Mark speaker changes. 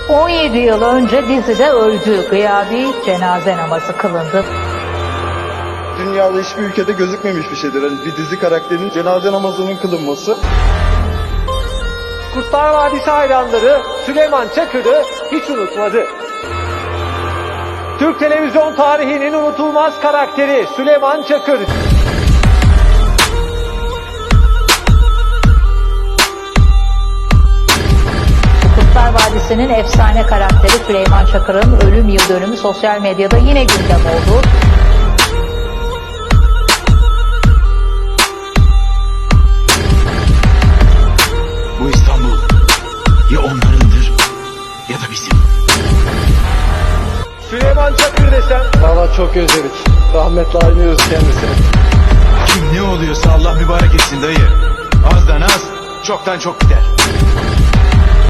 Speaker 1: 17 yıl önce dizide öldü. Gıyabi cenaze namazı kılındı.
Speaker 2: Dünyada hiçbir ülkede gözükmemiş bir şeydir. Hani bir dizi karakterinin cenaze namazının kılınması.
Speaker 3: Kurtlar Vadisi hayranları Süleyman Çakır'ı hiç unutmadı. Türk televizyon tarihinin unutulmaz karakteri Süleyman Çakır.
Speaker 1: Kurtlar Vadisi'nin efsane karakteri Süleyman Çakır'ın ölüm yıl dönümü sosyal medyada yine gündem oldu.
Speaker 4: Bu İstanbul ya onlarındır ya da bizim.
Speaker 3: Süleyman Çakır desem
Speaker 2: Valla çok özledik. Rahmetle aynıyoruz kendisini.
Speaker 4: Kim ne oluyorsa Allah mübarek etsin dayı. Azdan az, çoktan çok gider.